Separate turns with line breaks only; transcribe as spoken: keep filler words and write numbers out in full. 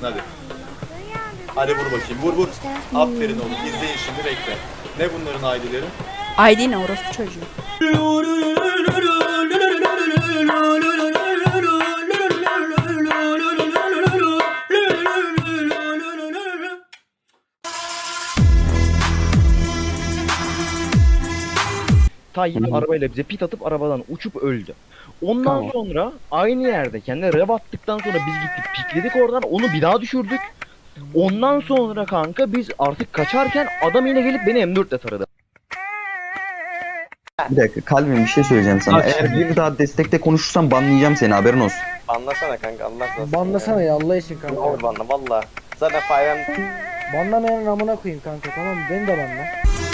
yaparsın hadi. Hadi vur bakayım, vur vur. Aferin oğlum, izleyin şimdi, bekle. Ne bunların aileleri?
Aydin ne orospu çocuğu.
Tayyip arabayla bize pit atıp arabadan uçup öldü. Ondan
Tamam.
sonra aynı yerde kendine rev attıktan sonra biz gittik pikledik oradan, onu bir daha düşürdük. Ondan sonra kanka biz artık kaçarken adam yine gelip beni M dört ile taradı.
Bir dakika kalbim, bir şey söyleyeceğim sana.
Bak
Eğer bir daha destekte konuşursan banlayacağım seni, haberin olsun.
Banlasana kanka, Allah razı olsun.
Banlasana ya Allah için
Ne
kanka.
olur banla valla. Zaten Fayram
Banlamayanın amına koyayım kanka, tamam mı? Beni de banla.